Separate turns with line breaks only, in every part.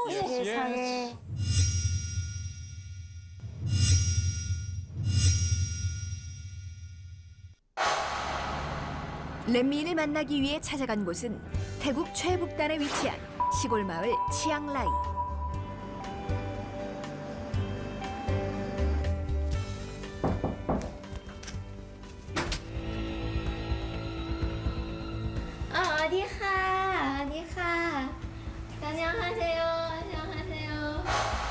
세상에.
렛미인을 만나기 위해 찾아간 곳은 태국 최북단에 위치한 시골 마을 치앙라이.
어디가? 어디가? 안녕하세요. 안녕하세요.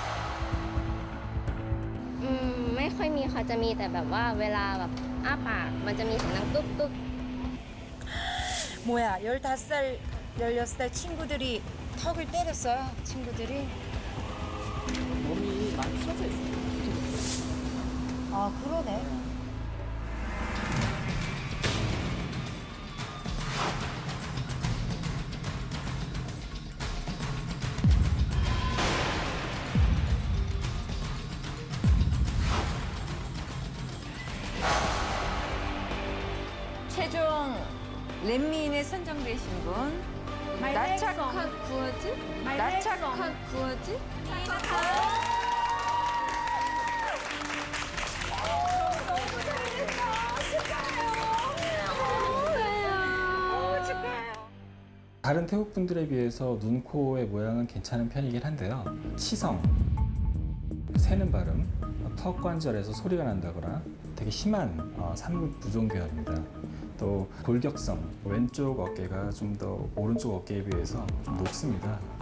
ไม่ค่อยมีค่ะจะมีแต่แบบว่าเวลาแบบอ้าปากมันจะมีเสียงดังตุ๊บตุ๊บ
뭐야, 15살, 16살 친구들이 턱을 때렸어요, 친구들이.
몸이 많이 펴져 있어요.
아, 그러네.
최종 렛미인에 선정되신 분 나착한 구어즈? 나착한 구어즈?
다른 태국 분들에 비해서 눈, 코의 모양은 괜찮은 편이긴 한데요. 치성, 새는 발음, 턱 관절에서 소리가 난다거나 되게 심한 삼국 부종계열입니다. 또 골격성, 왼쪽 어깨가 좀 더 오른쪽 어깨에 비해서 좀 높습니다.